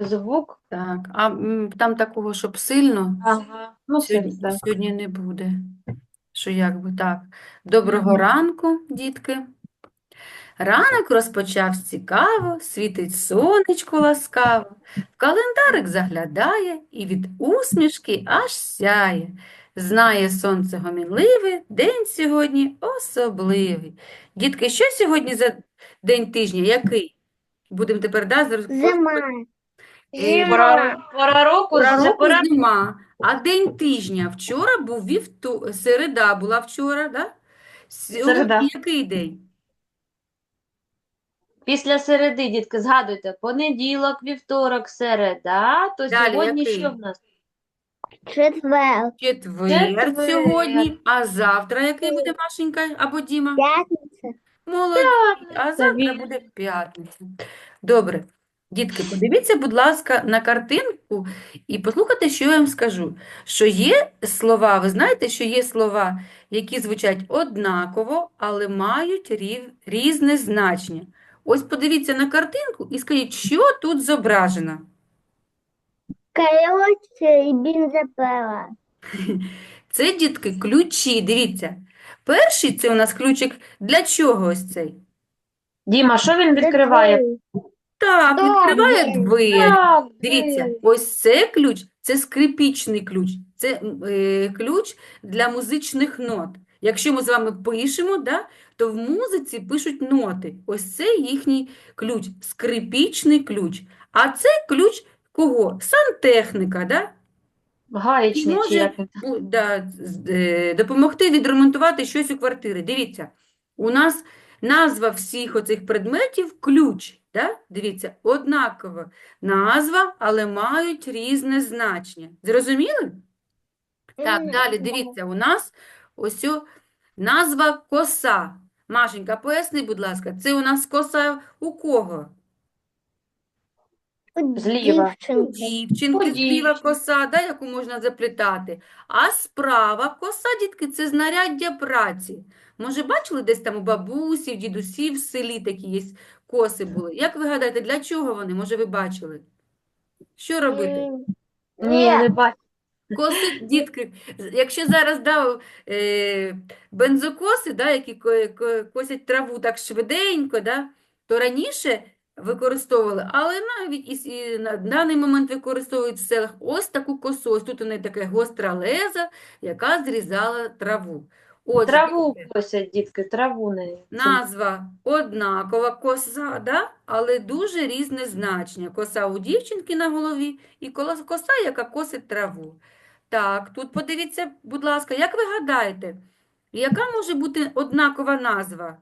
Звук. Так, а там такого, щоб сильно, Ага. Ну, все, сьогодні, так. сьогодні не буде. Що як би так. Доброго Мгм. ранку, дітки. Ранок розпочався цікаво, світить сонечко ласкаво, в календарик заглядає і від усмішки аж сяє. Знає сонце гомінливе, день сьогодні особливий. Дітки, що сьогодні за день тижня? Який? Будемо тепер Зима. Пора, Зима. пора року, Пора року пора. зима, а день тижня. Вчора був середа була вчора, да? Сьогодні Середа. який день? Після середи, дітки, згадуйте, понеділок, вівторок, середа, то Далі сьогодні що який? в нас? Четвер. Четвер Четвер. сьогодні, а завтра який буде Машенька або Діма? П'ятниця. Молодці, а Це завтра вірно. буде п'ятниця. Добре. Дітки, подивіться, будь ласка, на картинку і послухайте, що я вам скажу. Що є слова, ви знаєте, що є слова, які звучать однаково, але мають різне значення. Ось подивіться на картинку і скажіть, що тут зображено. Каріоця і бензопила. Це, дітки, ключі, дивіться. Перший це у нас ключик для чого ось цей? Діма, що він До відкриває? двері. Так, Так, відкриває двері. двері. Так, Дивіться, ось це ключ, це скрипічний ключ, це ключ для музичних нот. Якщо ми з вами пишемо, да, то в музиці пишуть ноти. Ось це їхній ключ, скрипічний ключ. А це ключ кого? Сантехніка, да? І гаєчний чи може як він там? допомогти відремонтувати щось у квартирі. Дивіться, у нас назва всіх оцих предметів ключ. Да? Дивіться, однакова назва, але мають різне значення. Зрозуміли? Так, далі дивіться, у нас ось назва коса. Машенька, поясни, будь ласка, це у нас коса у кого? У Зліва. У дівчинки. дівчинки Подій. зліва коса, да, яку можна заплітати. А справа коса, дітки, це знаряддя праці. Може, бачили десь там у бабусі, в дідусів в селі такі є коси були? Як ви гадаєте, для чого вони? Може, ви бачили? Що робити? Ні, Ні, не бачу. Коси, дітки, якщо зараз бензокоси, да, які косять траву так швиденько, да, то раніше використовували, але навіть і на даний момент використовують в селах ось таку косу. Ось тут у неї така гостра леза, яка зрізала траву. Отже, Траву бачите, косять, дітки, траву не. назва однакова коса, да? Але дуже різне значення. Коса у дівчинки на голові і коса, яка косить траву. Так, тут подивіться, будь ласка, як ви гадаєте, яка може бути однакова назва?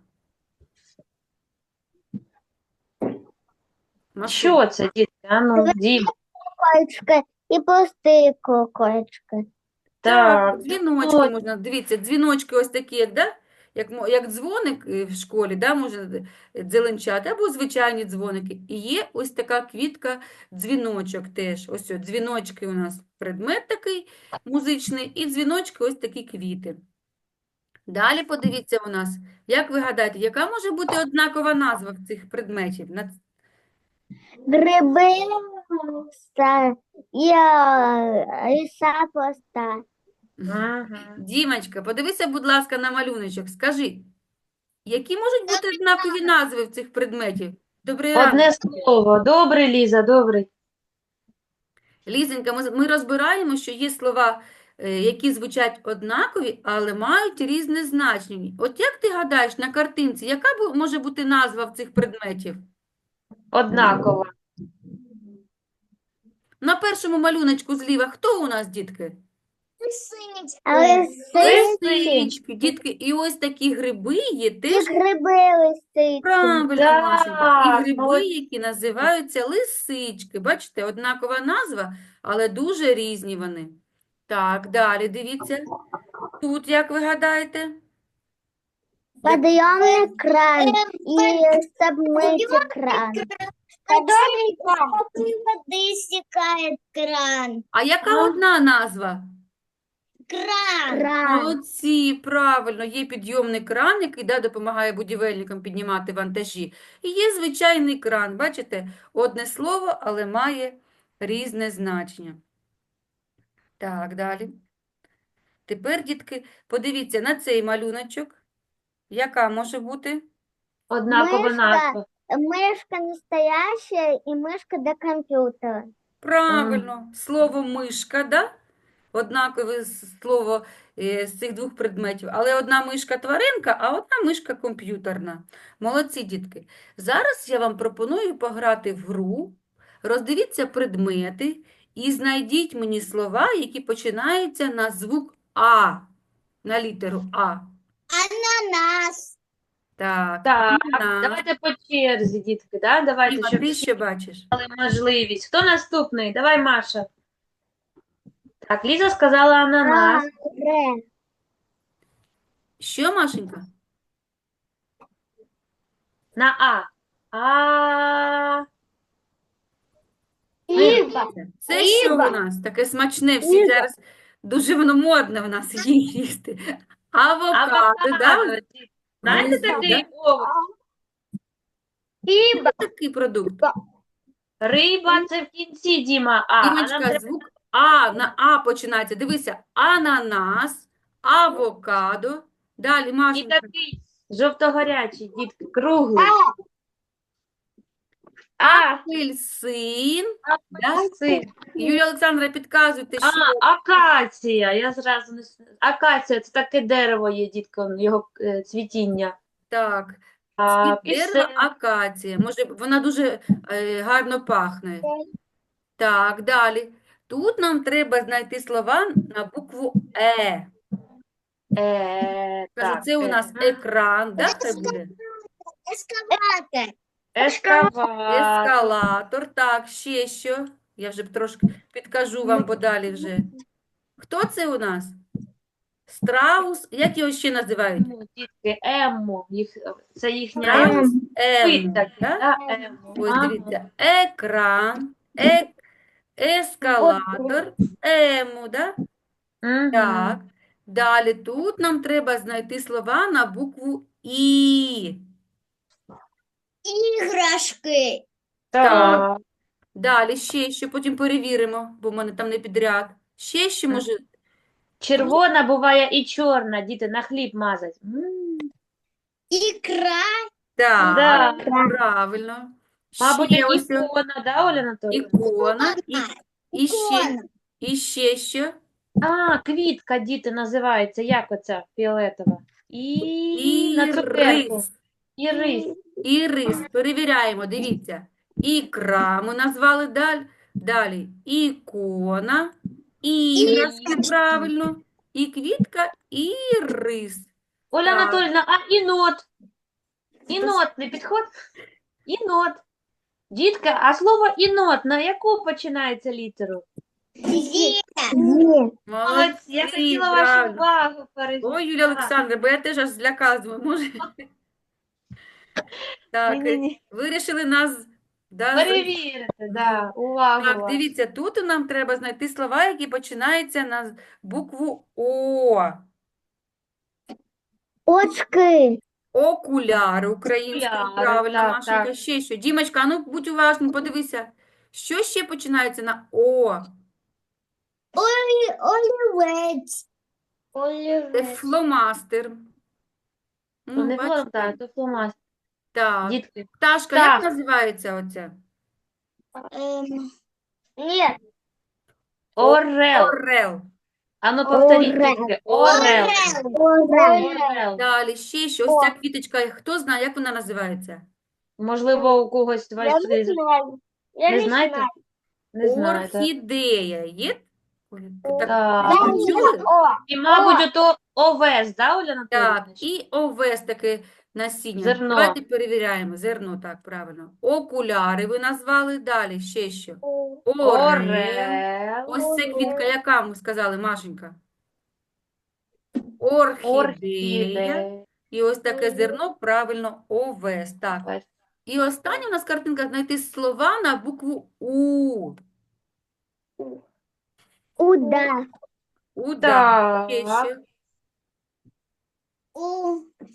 Масу. Що це, дітки? А ну, Дім. колечка і прості колечка. Так, Так, дзвіночки можна, дивіться, дзвіночки ось такі, як, да? Як дзвоник в школі, да, можна дзеленчати, або звичайні дзвоники. І є ось така квітка, дзвіночок теж. Ось дзвіночки у нас предмет такий музичний, і дзвіночки ось такі квіти. Далі подивіться у нас, як ви гадаєте, яка може бути однакова назва в цих предметів? Гриби і ліса проста. Ага. Дімочка, подивися, будь ласка, на малюночок. Скажи, які можуть бути однакові назви в цих предметів? Добрий ранок. Одне слово. Добрий, Ліза, добрий. Лізенька, ми розбираємо, що є слова, які звучать однакові, але мають різне значення. От як ти гадаєш на картинці, яка може бути назва в цих предметів? Однаково. На першому малюночку зліва хто у нас, дітки? Лисички. Лисички, дітки, і ось такі гриби є І теж. гриби лисички. Правильно, Машенька. І Так, гриби, які називаються лисички. Бачите, однакова назва, але дуже різні вони. Так, далі дивіться. Тут, як ви гадаєте? Подъемный кран и subмытый кран. Подъемный кран. Воды стекает кран. А яка одна назва? Кран. Молодці, правильно. Є підйомний кран, який допомагає будівельникам піднімати вантажі. І є звичайний кран. Бачите, одне слово, але має різне значення. Так, далі. Тепер, дітки, подивіться на цей малюночок. Яка може бути? Однакова Мишка. назва. Мышка настоящая и мышка до компьютера. Правильно, слово мишка, да? Однакове слово з цих двох предметів. Але одна мишка тваринка, а одна мишка комп'ютерна. Молодці, дітки. Зараз я вам пропоную пограти в гру. Роздивіться предмети і знайдіть мені слова, які починаються на звук А, на літеру А. Ананас. Так, Так, ананас. давайте по черзі, дітки, да? Давайте, Діма, щоб ти всі що бачиш? мали можливість. Хто наступний? Давай, Маша. Так, Ліза сказала ананас. Ре. Що, Машенька? На А. А. Ива. Це що Риба. у нас? Таке смачне, всі Риба. зараз дуже воно модне в нас їсти. Авокадо, да? Авокадо. Знаєте Внизу, такий да? овоч? Риба. Такий продукт. Риба це в кінці, Діма. А нам Дімочка, треба звук А на А починається. Дивися, ананас, авокадо. Далі, і Машенька. такий жовто-гарячий, дітки, круглий. А, Апельсин. Да? апельсин. Юлія Олександра, підказуйте, що Акація. Я зразу не акація це таке дерево є, дітки, його цвітіння. так. А, Цвіт дерева пісень. акація. Може, вона дуже гарно пахне. Так, далі. Тут нам треба знайти слова на букву Е. Кажу, Так, це у нас екран, да, хай буде? Эскаватор. ескаватор. Ескалатор. Так, ще що? Я вже трошки підкажу вам подалі вже. Хто це у нас? Страус. Як його ще називають? Ну, дітки, Еммо. Це їхня Страус вид Ему. такий, Да? да? Еммо. Ось Ага. дивіться. Екран, ескалатор, ему, да? Мгм. Так. Далі тут нам треба знайти слова на букву І. Игрушки. Так. Далі ще що, потім перевіримо, бо в мене там не підряд. Ще що може. Червона буває і чорна, діти, на хліб мазать. Икра. Так, Да. правильно. Мабуть, Ще ось о, ікона, да, Оля Анатоліївна? ікона. І ще, Икона. і ще що? А, квітка, діти, називається. Як оця фіолетова? І на цукерку. Ірис. Ірис. Ірис. Перевіряємо, дивіться. Ікра ми назвали далі. Ікона, іграшки, правильно. І квітка, ірис. Оля Так. Анатоліївна, а інот? Інот не підходить? Інот. Дітка, а слово інот на яку починається літеру? Молодці, я Молодці, хотіла вашу правильно. увагу перейти. Ой, Юлія Олександра, бо я теж аж злякалась, може. Так, Ні-ні-ні. вирішили нас, да, Перевірити, да, увагу Так, вашу. дивіться, тут нам треба знайти слова, які починаються на букву О. Очки. Окуляри українською, Окуляри, правильно, так, Машенька. так. Ще що? Дімочка, а ну будь уважним, подивися. Що ще починається на О? Олівець. Це Олівець. фломастер. То Ну, не бачите? фломастер, то фломастер. Так. Дітки, Пташка, Так. як називається оця? Нет. орел. Орел. Ану, повторіть, Орел. дітки. Орел. Орел. Далі ще що? Ось ця квіточка, хто знає, як вона називається? Можливо, у когось Я вас не знаю. Я не не знаєте? знаю. Не знаєте. Орхідея. Є? Так, Так. чули? І, мабуть, ото овес, да, Оля Анатоліївна? Так, і овес таке насіння. Зерно. Давайте перевіряємо. Зерно, так, правильно. Окуляри ви назвали. Далі ще що? Орел. Орел. Ось це квітка, яка ми сказали, Машенька? Орхідея. Орхідея. І ось таке зерно, правильно, овес. Так. Овес. І остання у нас картинка знайти слова на букву У. Уда. Уда. Ще Так. що?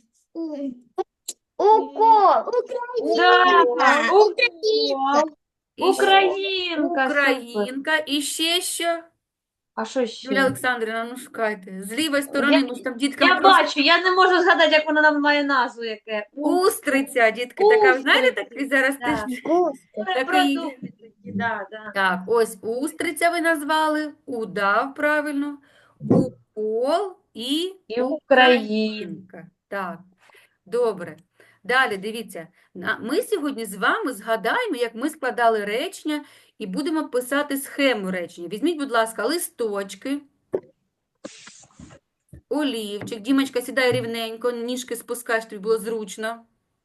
Укол. Да, Украина. укол. І ще Українка, супер. Українка. І ще що? А що Юлія ще? Олександрівна, ну шукайте. З лівої сторони, ми ж там діткам Я просто... бачу, я не можу згадати, як вона нам має назву яке. Устриця, дітки, така, ви знаєте, Устриця, такий зараз да. теж такий... Морепродукти такі, да, да. Так, ось устриця ви назвали, удав, правильно, укол і І Україна. українка. Так, добре. Далі, дивіться, ми сьогодні з вами згадаємо, як ми складали речення і будемо писати схему речення. Візьміть, будь ласка, листочки, олівчик. Дімочка, сідай рівненько, ніжки спускай, щоб тобі було зручно.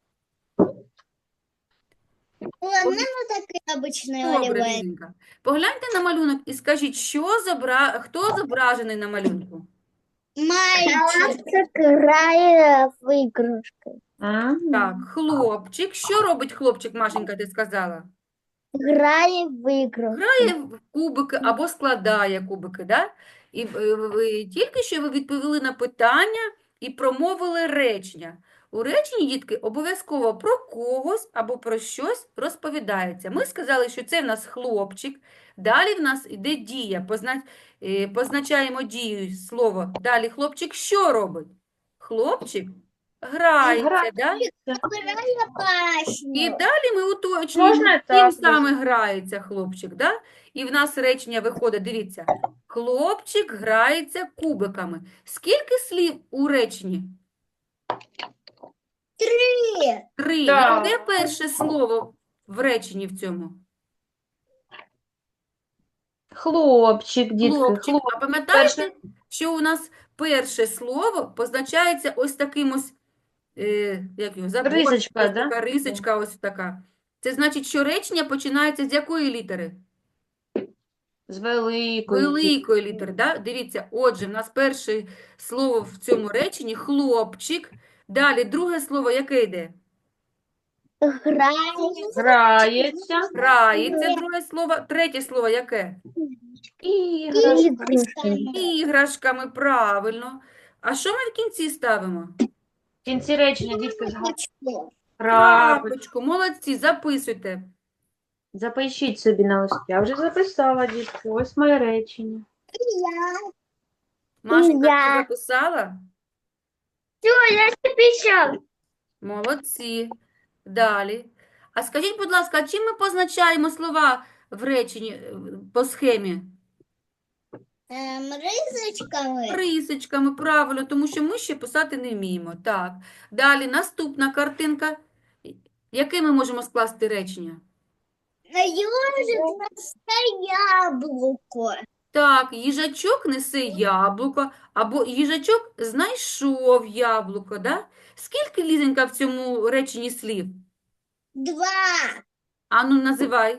У мене такий обичний Добре, олівець. Лізенька. Погляньте на малюнок і скажіть, хто зображений на малюнку? Мальчик грає в іграшки. Так, хлопчик. Що робить хлопчик, Машенька, ти сказала? Грає в іграшки. Грає в кубики або складає кубики, да? І тільки що ви відповіли на питання і промовили речення. У реченні, дітки, обов'язково про когось або про щось розповідається. Ми сказали, що це в нас хлопчик. Далі в нас йде дія. Позначаємо дію слово. Далі хлопчик що робить? Хлопчик грається, да? Грає І пашню. далі ми уточнюємо, Можна ким так, саме грається хлопчик, да? І в нас речення виходить, дивіться, хлопчик грається кубиками. Скільки слів у реченні? Три. 3. Так. Яке перше слово в реченні в цьому? Хлопчик, дітки, Хлопчик. хлопчик. А пам'ятаєте, Перше. що у нас перше слово позначається ось таким ось, як його, забор, Рисочка, ось да? така рисочка ось така. Це значить, що речення починається з якої літери? З великої. Великої літери, да? Дивіться, отже, в нас перше слово в цьому реченні хлопчик. Далі друге слово яке йде? Грає. Грається. Грається, друге слово. Третє слово яке? Іграшка. Іграшки. Іграшками, правильно. А що ми в кінці ставимо? В кінці речення, дітки, згадують. Крапочку. Крапочку. Крапочку. Молодці, записуйте. Запишіть собі на листі. Я вже записала, дітки. Ось моє речення. Я. Машенька, ти Я. записала? Все, я записав. Молодці. Далі. А скажіть, будь ласка, а чим ми позначаємо слова в реченні по схемі? Ризочками. Рисочками, правильно, тому що ми ще писати не вміємо. Так. Далі наступна картинка. Яке ми можемо скласти речення? Ёжик несе яблуко. Так, їжачок несе яблуко, або їжачок знайшов яблуко, да? Скільки, Лізенька, в цьому реченні слів? 2. Ану, називай.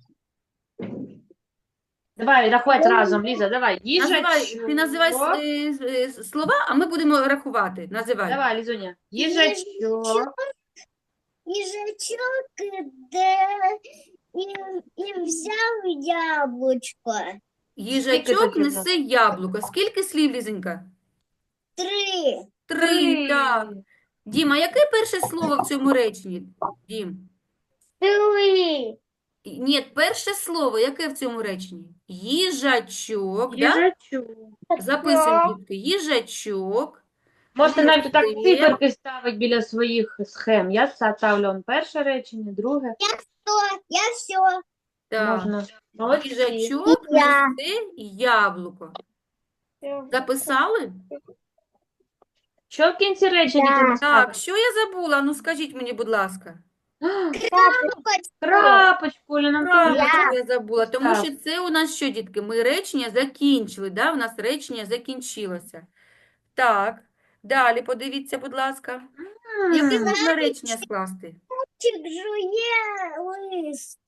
Давай рахувати разом, Ліза, давай. Називай, ти називай Їжачок. слова, а ми будемо рахувати. Називай. Давай, Лізуня. Їжачок. Їжачок іде і взяв яблучко. Їжачок слів несе яблуко. Скільки слів, Лізенька? 3. 3, так. Діма, яке перше слово в цьому реченні? Дім. 3. Ні, перше слово, яке в цьому реченні? Їжачок, да? Їжачок. Записуємо, дітки. Їжачок. Можете навіть так несе. циферки ставити біля своїх схем. Я ставлю он перше речення, друге. Я все. Так. Можна. Молодці. Їжачок Я. несе яблуко. Записали? Що в кінці речення Так. діти ставити? Так, що я забула? Ну, скажіть мені, будь ласка. Крапочку, Оля, нам теж. Крапочку я забула, тому Так. що це у нас що, дітки? Ми речення закінчили, да? У нас речення закінчилося. Так, далі подивіться, будь ласка. Яке можна речення скласти? Чик жує лист.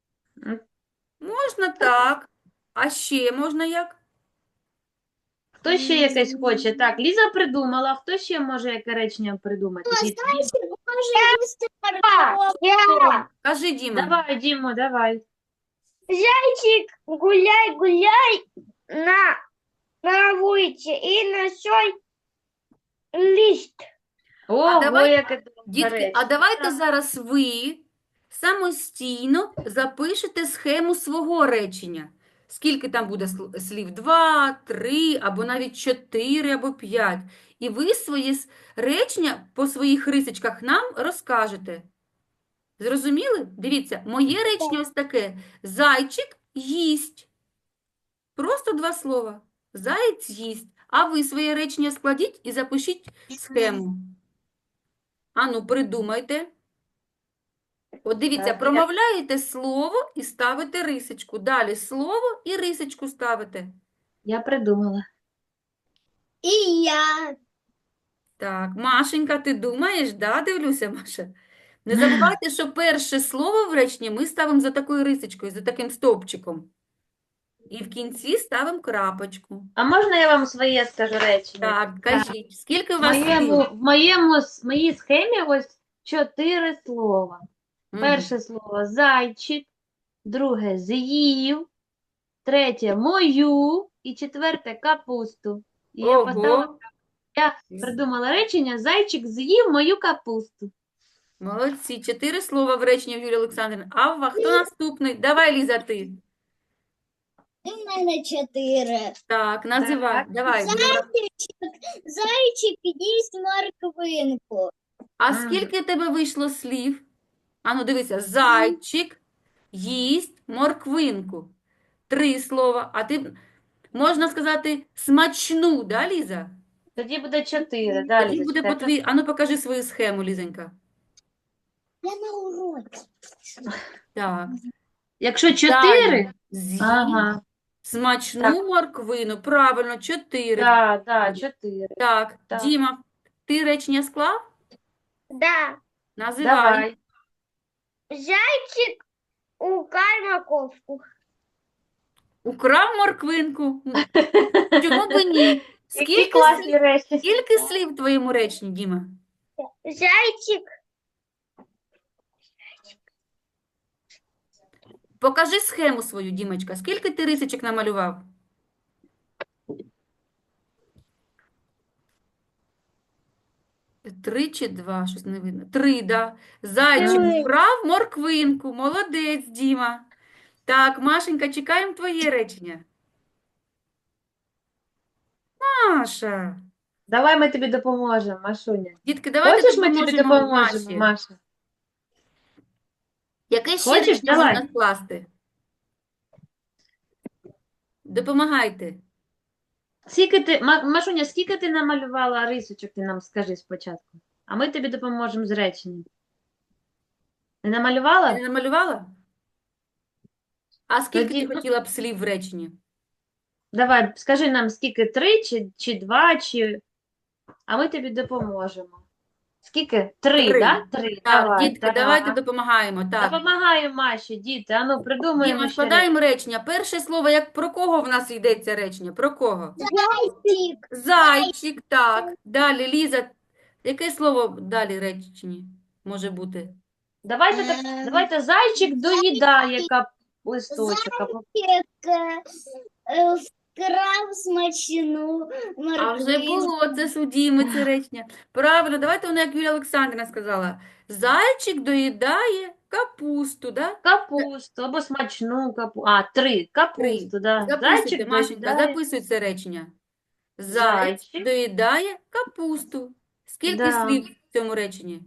Можна так. А ще можна як? Хто ще якесь хоче? Так, Ліза придумала. Хто ще може яке речення придумати? Діти? Може їсти картоплю. Кажи, Діма. Давай, Дімо, давай. Зайчик, гуляй, гуляй на вулиці і несой лист. Ого, давай, яке довге Дітки, а речення. давайте зараз ви самостійно запишете схему свого речення. Скільки там буде слів? 2, 3, або навіть 4, або 5. І ви свої речення по своїх рисочках нам розкажете. Зрозуміли? Дивіться, моє речення ось таке. Зайчик їсть. Просто 2 слова. Заєць їсть. А ви своє речення складіть і запишіть схему. Ану, придумайте. От дивіться, Так, промовляєте слово і ставите рисочку. Далі слово і рисочку ставите. Я придумала. И я. Так, Машенька, ти думаєш? Да, дивлюся, Маша. Не забувайте, що перше слово в реченні ми ставимо за такою рисочкою, за таким стовпчиком. І в кінці ставимо крапочку. А можна я вам своє скажу речення? Так, кажіть, скільки у В вас слів? моїй схемі ось 4 слова. Мгм. Перше слово зайчик, друге з'їв, третє мою і четверте капусту. І я Ого, придумала речення «Зайчик з'їв мою капусту». молодці, 4 слова в реченні в Юлії Олександрівни. А хто наступний? Давай, Ліза, ти. У мене 4. Так, називай, Так. давай. Зайчик їсть морквинку. А скільки в тебе вийшло слів? Ану, дивися, зайчик їсть морквинку. 3 слова. А ти, можна сказати, смачну, да, Ліза? Тоді буде 4. Далі, Тоді буде по твій... Ану, покажи свою схему, Лізонька. Я на уроці. Так. Якщо 4, Далі. З'їсть ага, смачну морквину. Правильно, 4. да, 4. Так, Так. Діма, ти речення склав? Да. Називай. Давай. Зайчик украл морковку. Украв морквинку. Чому б і ні? Які Скільки класні речі. Скільки слів в твоєму реченні, Діма? Зайчик. Покажи схему свою, Дімочка. Скільки ти рисочок намалював? 3 чи 2? Щось не видно. 3, да. Зайчик Три. вкрав морквинку. Молодець, Діма. Так, Машенька, чекаємо твоє речення. Маша. Давай ми тобі допоможемо, Машуня. Дітки, давайте Хочеш, ми тобі допоможемо допоможемо, Маші. Маша? Яке ще Хочеш? речення Давай. можна скласти? Допомагайте. Машуня, скільки ти намалювала рисочок, ти нам скажи спочатку. А ми тобі допоможемо з реченням. Не Ти намалювала? не намалювала? А скільки Тоді- ти хотіла б слів в реченні? Давай, скажи нам, скільки 3, чи 2, чи... А ми тобі допоможемо. Скільки? 3, Три. да? 3, Так, давай. дітки, так. давайте допомагаємо. Так. Допомагаємо Маші, діти. Ану, придумаємо Діма, ще складаємо речення. Перше слово, як про кого в нас йдеться речення? Про кого? Зайчик. Зайчик, так. Далі, Ліза, яке слово далі в реченні може бути? Давайте, давайте зайчик доїдає листочок. Вкрав смачну А вже морквинку. було це судіме це речення. Правильно, давайте воно, як Юлія Олександрівна сказала. Зайчик доїдає капусту, да? Капусту або смачну капусту. А, 3. Капусту, да. Записуйте, Зайчик Машенька, доїдає. записуй це речення. Заєць Зайчик. доїдає капусту. Скільки Да. слів в цьому реченні?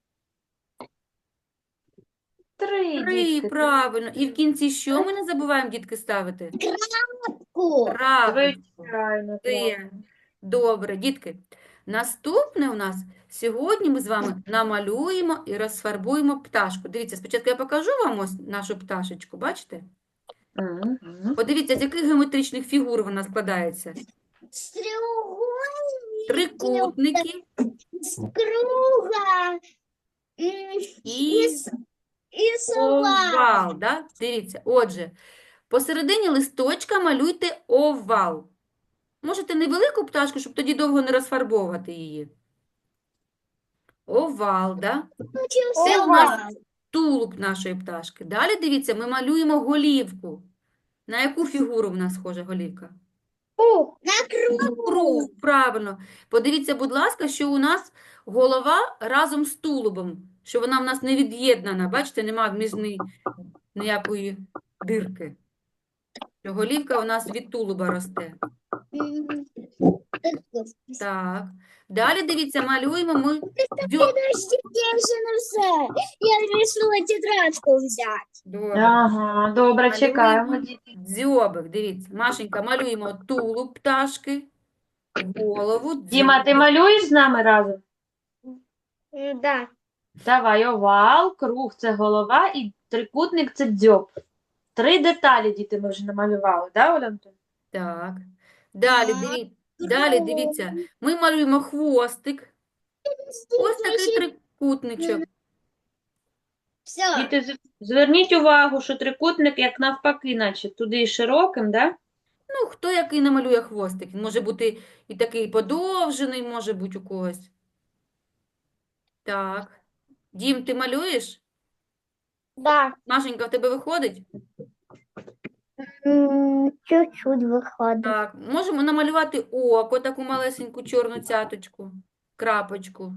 3, 3, дітки. правильно. І в кінці що ми не забуваємо, дітки, ставити? Ку. Крапочку. Звичайно, Це. Добре, дітки. Наступне у нас сьогодні ми з вами намалюємо і розфарбуємо пташку. Дивіться, спочатку я покажу вам ось нашу пташечку, бачите? Мгм. Подивіться, з яких геометричних фігур вона складається. З треугольника. Трикутники З круга. і І сова. овал. Да? Дивіться, отже, посередині листочка малюйте овал. Можете невелику пташку, щоб тоді довго не розфарбовувати її. Овал, да? Це у нас тулуб нашої пташки. Далі, дивіться, ми малюємо голівку. На яку фігуру в нас схожа голівка? На кругу. Круг, правильно. Подивіться, будь ласка, що у нас голова разом з тулубом. що вона в нас не від'єднана. Бачите, нема між ніякої дирки. Що голівка у нас від тулуба росте. Мгм. Так. Далі, дивіться, малюємо ми Подождите, я ще не все. Я вирішила тетрадку взяти. Добре. Ага, добре, чекаємо. Малюємо дзьобик. Дивіться, Машенька, малюємо тулуб пташки, голову, Діма, ти дзьобик. малюєш з нами разом? Да. Давай, овал, круг – це голова і трикутник – це дзьоб. 3 деталі, діти, ми вже намалювали, да, Оля Антонівна? Так. Далі дивіться, ми малюємо хвостик. Ось такий трикутничок. Все. Діти, зверніть увагу, що трикутник як навпаки, наче туди широким, да? Ну, хто який намалює хвостик? Він може бути і такий подовжений, може бути у когось. Так. Дім, ти малюєш? Да. Машенька, в тебе виходить? Чуть-чуть виходить. Так. Можемо намалювати око, таку малесеньку чорну цяточку, крапочку.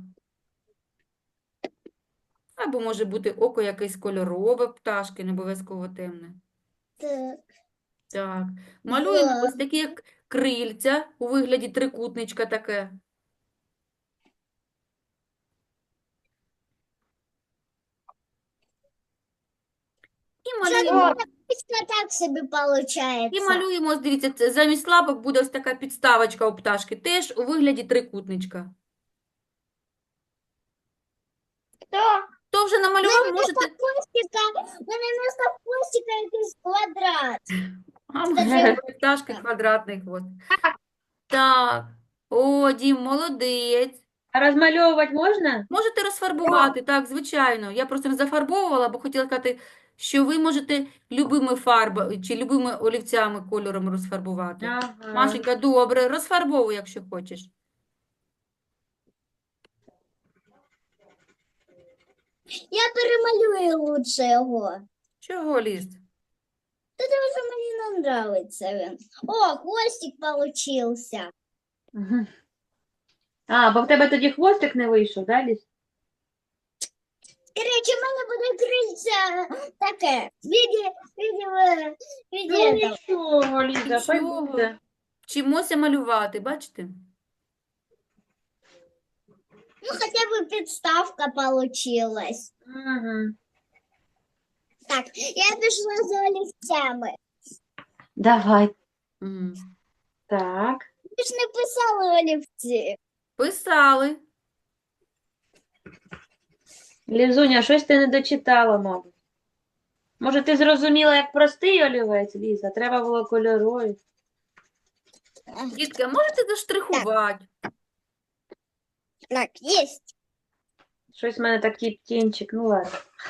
Або може бути око якесь кольорове пташки, не обов'язково темне. Так. Так. Малюємо Да. ось такі як крильця у вигляді трикутничка таке. І малюємо, Так собі виходить. ось, дивіться, замість лапок буде ось така підставочка у пташки, теж у вигляді трикутничка. Хто вже намалював, можете... У мене вместо хвостика якийсь квадрат. А, може, у пташки квадратний хвост. Так. О, Дім, молодець. А розмальовувати можна? Можете розфарбувати, так, звичайно. Я просто не зафарбовувала, бо хотіла сказати, що ви можете любими фарбами чи любими олівцями кольором розфарбувати. Ага. Машенька, добре, розфарбовуй, якщо хочеш. Я перемалюю лучше його. Чого, Ліз? Тому що мені не нравиться він. О, хвостик получился. Мгм. А, бо в тебе тоді хвостик не вийшов, да, Ліз? Короче, в мене буде крильця таке. В Ну, виді этого. нічого, Ліза, хай Нічого. буде. Вчимося малювати, бачите? Ну, хотя бы підставка получилась. Угу. Так, я пішла за олівцями. Давай. Мгм. Так. Ви ж не писали олівці. Писали. Лізуня, щось ти не дочитала, мабуть. Може, ти зрозуміла, як простий олівець, Ліза? Треба було кольоровий. Дітки, а можете заштрихувати? Так, есть. Щось в мене такий тінчик, ну ладно.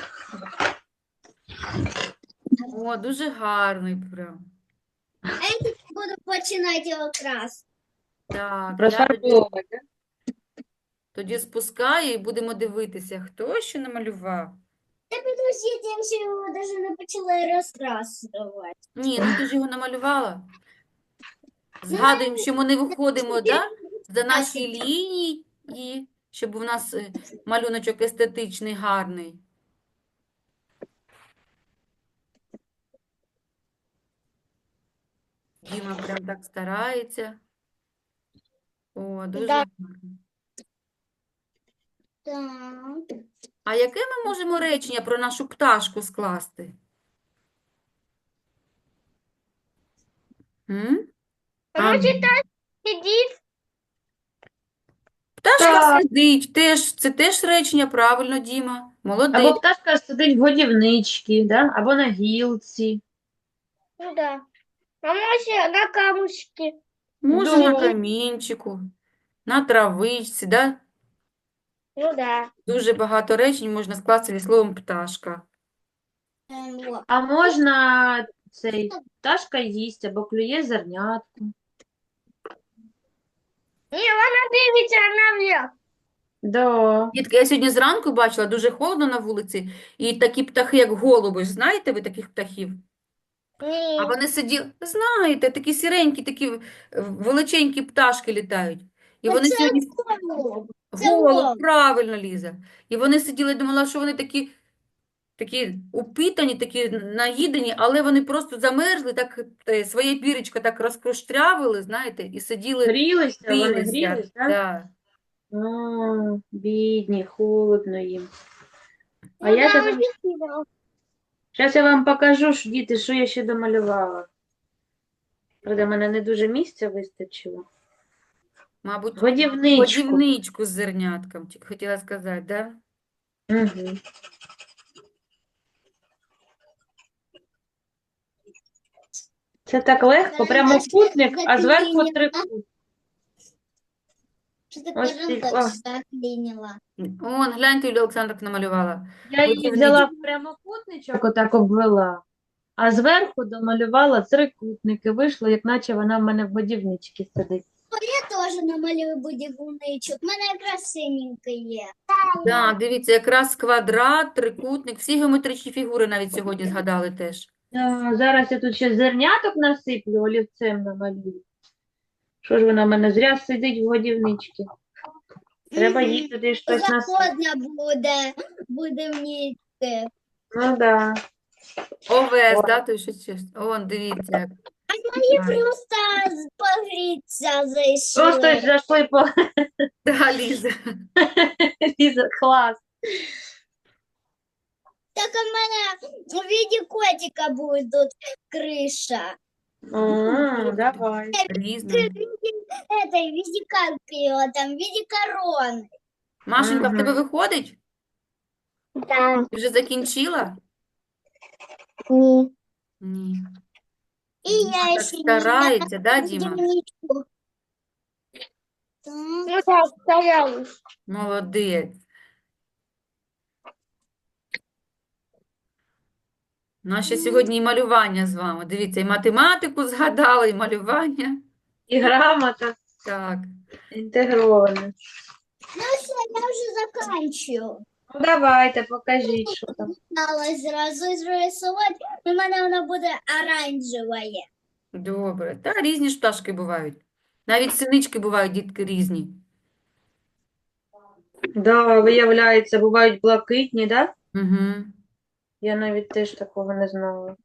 О, дуже гарний прям. А я тут буду починати його крас. Так, я тоді, Розфарбовувати, да? тоді спускаю і будемо дивитися, хто що намалював. Та підождіть, я ще його навіть не почала розкрасувати. Ні, ну ти ж його намалювала. Згадуємо, що ми не виходимо, да, за наші лінії, і щоб у нас малюночок естетичний, гарний. Діма прям так старається. О, дуже Да. гарно. Так. А яке ми можемо речення про нашу пташку скласти? М? А, Сидіть. пташка Так. сидить, це теж речення, правильно, Діма. Або Молодець. пташка сидить в годівничці, да? Або на гілці. Ну да. А може на камушки. Може, на Да. камінчику, на травичці, да? Ну да. Дуже багато речень можна скласти зі словом пташка. А можна цей пташка їсть або клює зернятку. Ні, вона дивиться наверх. Да. Дітки, я сьогодні зранку бачила, дуже холодно на вулиці, і такі птахи, як голуби, знаєте ви таких птахів? Ні. А вони сиділи, знаєте, такі сіренькі, такі величенькі пташки літають. І вони Це сьогодні голуб. Це голуб, голуб. правильно, Ліза. І вони сиділи, думала, що вони такі упитані, такі наїдені, але вони просто замерзли, так своє піречко так розкроштрявили, знаєте, і сиділи, Грілися, вони грілися. грілись, так? Да. Бідні, холодно їм. А Ну, я да, зараз объяснила. я вам покажу, діти, що я ще домалювала. Правда, мене не дуже місця вистачило. Мабуть, Годівничку. годівничку з зернятком, хотіла сказати, да? Угу. Це так легко, прямокутник, а зверху трикутник. Что ты Ось кажем, ти- так о. заклинила. Он, гляньте, Юлія Олександровна намалювала. Я її взяла в прямокутничок, отак обвела, а зверху домалювала трикутник і вийшло, як наче вона в мене в годівничці сидить. Я тоже намалюю будівничок. У мене якраз синеньке є. Да, дивіться, якраз квадрат, трикутник, всі геометричні фігури навіть сьогодні згадали теж. Зараз я тут ще зерняток насиплю, олівцем намалюю. Що ж вона в мене зря сидить в годівничці? Треба їй туди щось насипати. Заходня будівнички. Ну да. Овес, Ой. да, то щось. Он, дивіться. як. Мені просто погріться зайшли. Просто ж зайшли по Да, Ліза. Ліза, клас. Так у мене в виде котика буде тут криша. Давай. Різно. Это, в виде как его там, в виде короны. Машенька, в Мгм. тебе виходить? Да. Ти вже закінчила? Ні. Ні. І я Так ще старається, да, Діма? будівничку. Ну так, стараюсь. Молодець. Наше сьогодні і малювання з вами. Дивіться, і математику згадали, і малювання. І грамота Так. інтегрована. Ну все, я вже заканчую. Ну давайте, покажіть, що там. Стала зразу зрисувати, у мене воно буде оранжеве. Добре. Та різні ж пташки бувають. Навіть синички бувають, дітки, різні. Да, виявляється, бувають блакитні, да? Угу. Я навіть теж такого не знала.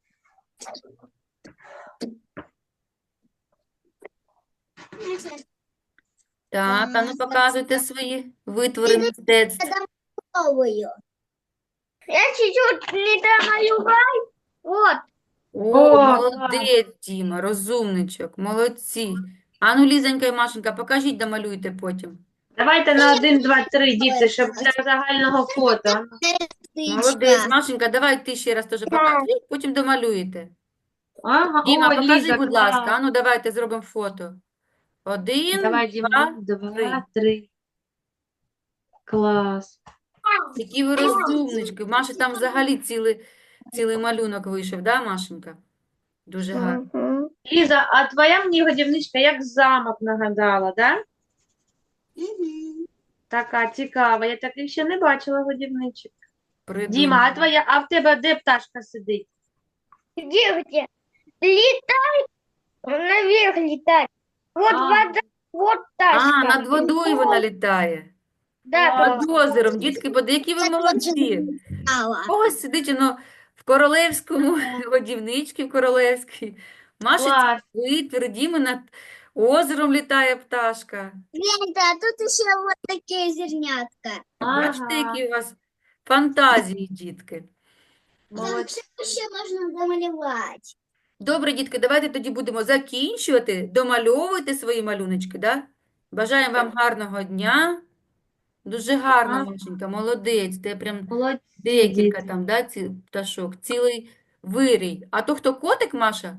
Так, а ну показуйте свої витвори мистецтв. Новою. Я чуть-чуть не домалював. Вот. О, О, молодець, Діма, розумничок, молодці. Ану, Лізонька і Машенька, покажіть, домалюйте потім. Давайте на 1, 2, 3, діти, щоб для загального фото. Молодець, Машенька, давай ти ще раз теж покажи, потім домалюєте. Ага, Діма, о, покажи, Ліза, будь ласка. клас. Ану, давайте зробимо фото. 1, Давай, 2, Діма, 3. 2, 3. Клас. Які ви розумнички. Маші там взагалі цілий малюнок вийшов, да, Машенька? Дуже гарно. Ліза, а твоя мені годівничка як замок нагадала, да? Така цікава. Я таких ще не бачила годівничок. Діма, а Придумала. а в тебе де пташка сидить? Где? Летай. Наверх летать. Вот А. вода, вот тачка. Над водою вона літає. Да, Над озером. Дітки, які ви молодці. Ось сидить воно в королевському годівничці, в королевській. Маша Клас. витвір, Діми над озером літає пташка. Гляньте, а тут еще вот такие зернятка. Бачите, Ага, які у вас фантазії, дітки. молодці. Там еще можно домалевать. Добре, дітки, давайте тоді будемо закінчувати. Домальовуйте свої малюночки, да? Бажаємо вам гарного дня. Дуже гарно, Ага. Машенька, молодець. Ти прям Молодці, декілька діти. там, да, пташок, цілий вирій. А то хто котик, Маша?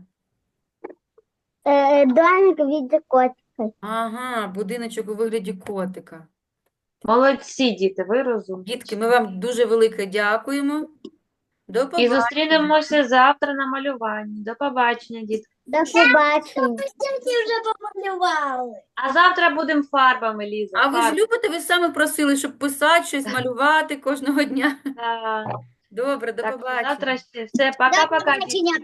Домик в виде котика. Ага, будиночок у вигляді котика. Молодці, діти, ви розумні. Дітки, ми вам дуже велике дякуємо. До І побачення. зустрінемося завтра на малюванні. До побачення, дітки. До побачення. Стінки вже помалювали. А завтра будемо фарбами, Ліза. А ви ж фарбами. любите, ви саме просили, щоб писати щось, малювати кожного дня. Да. Добре, до Так, побачення. завтра ще все. До Пока-пока, дітки. побачення.